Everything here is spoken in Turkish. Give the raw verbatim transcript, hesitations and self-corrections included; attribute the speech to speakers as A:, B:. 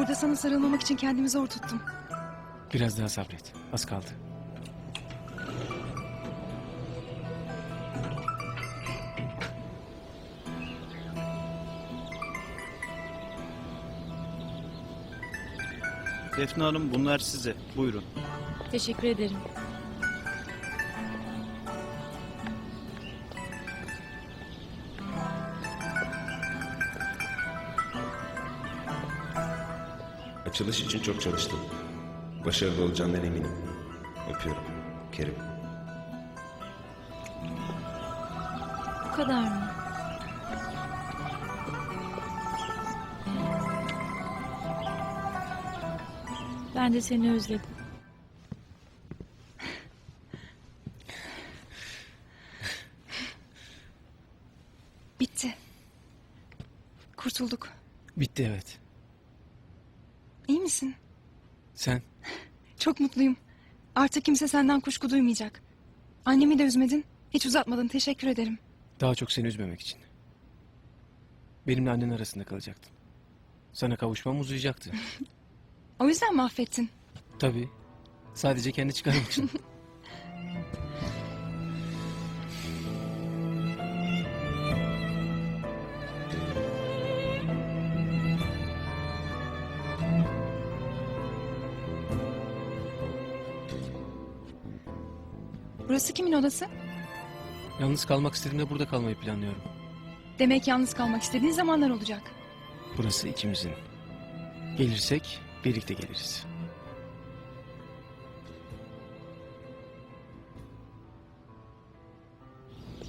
A: Orada sana sarılmamak için kendimi zor tuttum.
B: Biraz daha sabret. Az kaldı.
C: Defne Hanım, bunlar size. Buyurun.
D: Teşekkür ederim.
E: Açılış için çok çalıştım. Başarılı olacağından eminim. Öpüyorum. Kerim.
D: Bu kadar mı? Ben de seni özledim.
A: Bitti. Kurtulduk.
B: Bitti evet.
A: İyi misin?
B: Sen?
A: Çok mutluyum. Artık kimse senden kuşku duymayacak. Annemi de üzmedin. Hiç uzatmadın. Teşekkür ederim.
B: Daha çok seni üzmemek için. Benimle annen arasında kalacaktın. Sana kavuşmam uzayacaktı.
A: O yüzden mi affettin?
B: Tabii. Sadece kendi çıkarım için.
A: Burası kimin odası?
B: Yalnız kalmak istediğimde burada kalmayı planlıyorum.
A: Demek yalnız kalmak istediğin zamanlar olacak.
B: Burası ikimizin. Gelirsek birlikte geliriz.